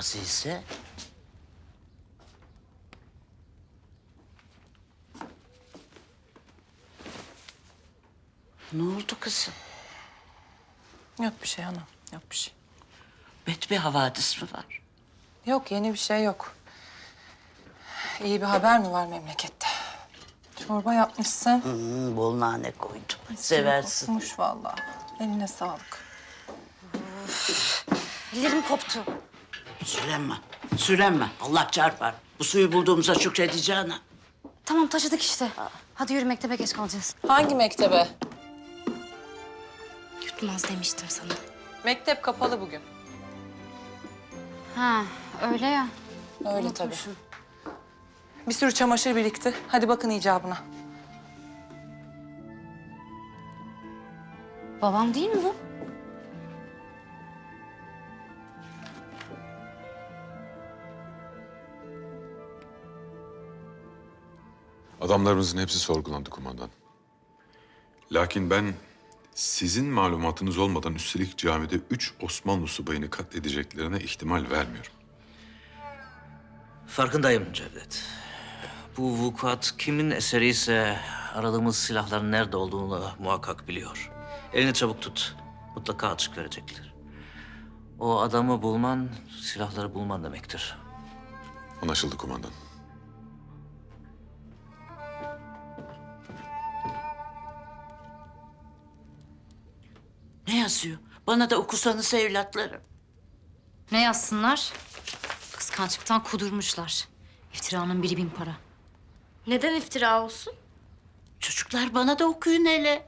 Azize. Ne oldu kızım? Yok bir şey hanım, yok bir şey. Bet bir havadis mi var? Yok, yeni bir şey yok. İyi bir haber mi var memlekette? Çorba yapmışsın. Bol nane koydum. Seversin. Kokmuş vallahi. Eline sağlık. Ellerim koptu. Sürenme. Sürenme. Allah çarpar. Bu suyu bulduğumuza şükredeceğine. Tamam taşıdık işte. Hadi yürü mektebe geç kalacağız. Hangi mektebe? Yutmaz demiştim sana. Mektep kapalı bugün. Ha öyle ya. Öyle tabii. Unutmuşum. Bir sürü çamaşır birikti. Hadi bakın icabına. Babam değil mi bu? Adamlarımızın hepsi sorgulandı kumandan. Lakin ben sizin malumatınız olmadan üstelik camide 3 Osmanlı subayını katledeceklerine ihtimal vermiyorum. Farkındayım Cevdet. Bu vukuat kimin eseri ise aradığımız silahların nerede olduğunu muhakkak biliyor. Elini çabuk tut. Mutlaka açık verecekler. O adamı bulman, silahları bulman demektir. Anlaşıldı kumandan. Ne yazıyor? Bana da okusanız evlatlarım. Ne yazsınlar? Kıskançlıktan kudurmuşlar. İftiranın 1000 para. Neden iftira olsun? Çocuklar bana da okuyun hele.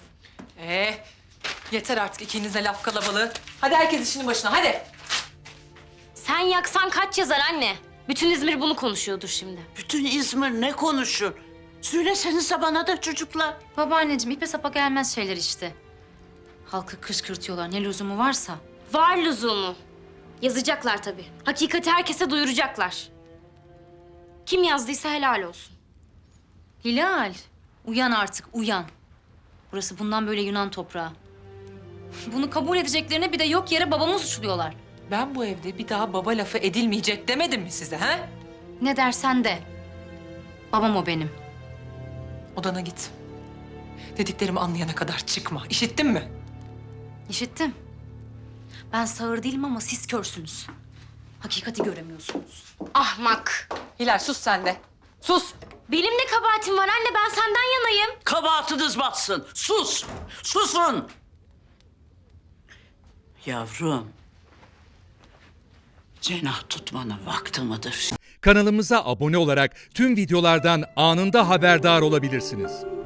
Yeter artık ikinize laf kalabalığı. Hadi herkes işinin başına, hadi. Sen yaksan kaç yazar anne? Bütün İzmir bunu konuşuyordur şimdi. Bütün İzmir ne konuşur? Söylesenize bana da çocuklar. Babaanneciğim ipe sapa gelmez şeyler işte. Halkı kışkırtıyorlar ne lüzumu varsa. Var lüzumu. Yazacaklar tabii. Hakikati herkese duyuracaklar. Kim yazdıysa helal olsun. Hilal, uyan artık uyan. Burası bundan böyle Yunan toprağı. Bunu kabul edeceklerine bir de yok yere babamı suçluyorlar. Ben bu evde bir daha baba lafı edilmeyecek demedim mi size, ha? Ne dersen de. Babam o benim. Odana git. Dediklerimi anlayana kadar çıkma. İşittin mi? İşittim. Ben sağır değilim ama siz körsünüz. Hakikati göremiyorsunuz. Ahmak. Hilal sus sen de. Sus. Benim ne kabahatim var anne? Ben senden yanayım. Kabahatiniz batsın. Sus. Susun. Yavrum. Cenah tutmanın vakti midir? Kanalımıza abone olarak tüm videolardan anında haberdar olabilirsiniz.